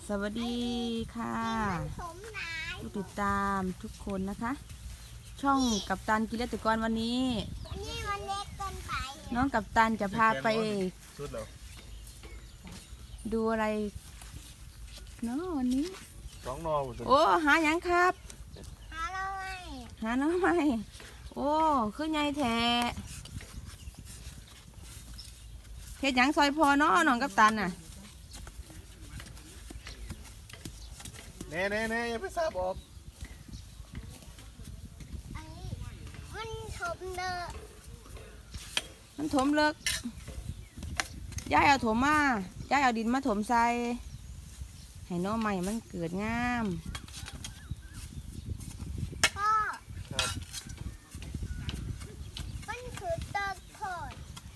สวัสดีค่ะผู้ติดตามทุกคนนะคะ ช่องกัปตันกิเลสกรวันนี้มันเล็กเกินไปน้องกัปตันจะพาไปดูอะไรเนาะวันนี้ 2 นอโอ้หาอย่างครับหาเราไงหาน้องใหม่โอ้คือไงแท้เฮ็ดหยังซอยพอเนาะน้องกัปตันน่ะเน่อย่าไปซาบออกมันถมเนอะมันถมเลิกย้ายเอาถมมาย้ายเอาดินมาถมใส่ให้น้องใหม่มันเกิดงามพ่อมันคือเติร์ดโคตร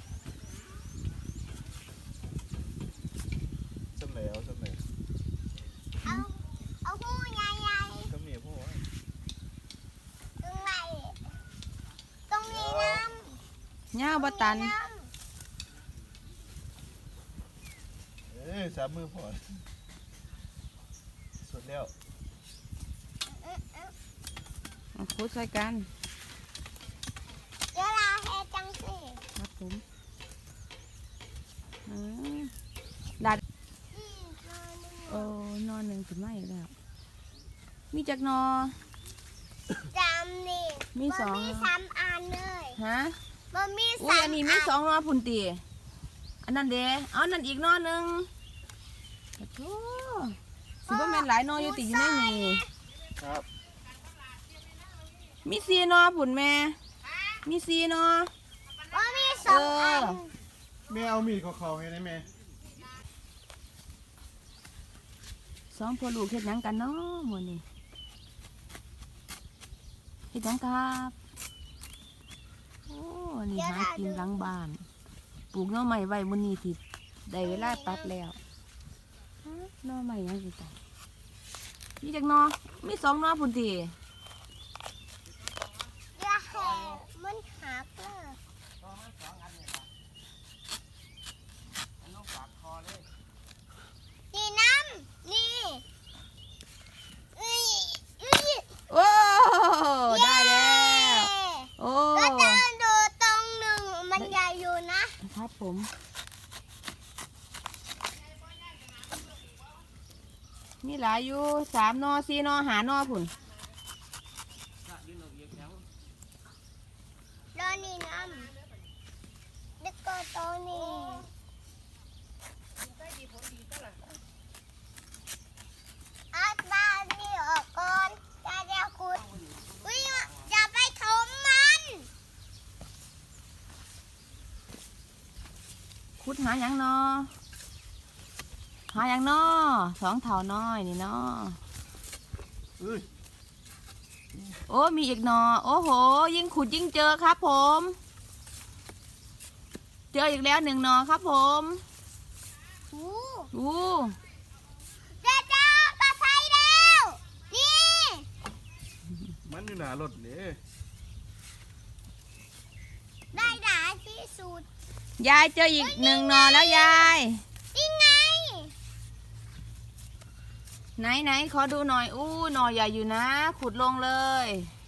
สำแล้วเอาหูใหญ่ก็มีพวกตรงไหนตรงนี้น้ำย่าบตัน 3 มือพอสุดแล้วคุดใส่กันเดี๋ยวเราให้จังสิครับผมดัดโอ้นอนหนึ่งถึงไม่แล้วมีจักนอจำนี่มี2 มี3 อันเลยฮะมันมีอุ้ยอันนี้มี2 นอพุ่นตีอันนั้นเด้เอานั่นอีกนอหนึ่งโอ้โหสิบ่แม่นหลายนออยู่ติอยู่ในนี่ครับมี4 นอพุ่นแม่มี4 นอมันมี2 อันแม่เอามีดเขาให้ได้ไหม 2พ่อลูกเฮ็ดหยังกันเนาะมื้อนี้เฮ็ดหยังครับโอ้นี่หากินหลังบ้านปลูกหน่อไม้ไว้มื้อนี้ที่ได้เวลาตัดแล้วหน่อไม้ยังสิตัดมีจักหนอมี2 นอพุ่นติอย่าให้มันหักเลยนี่น้ำนี่โอ้ได้แล้วโอ้ก็จะดูตรงหนึ่งมันใหญ่อยู่นะครับผมมีหลายอยู่3 นอ 4 นอ 5 นอพุ่นแล้วนี่น้ำแล้วก็ตรงนี้เอาตานี่ออกก่อนจะขุดอุ้ยอย่าไปถมมันขุดหาหยังนอหาหยังนอ2 เท่าน้อยนี่นอโอ้มีอีกนอโอ้โหยิ่งขุดยิ่งเจอครับผมเจออีกแล้ว1 นอครับผมเจ้าปลาไทยแล้วนี่มันอยู่หน้ารถนี่ได้ด่าที่สุดยายเจออีก1 นอแล้วยายนี่ไงไหนขอดูหน่อยอู้หนอใหญ่อยู่นะขุดลงเลย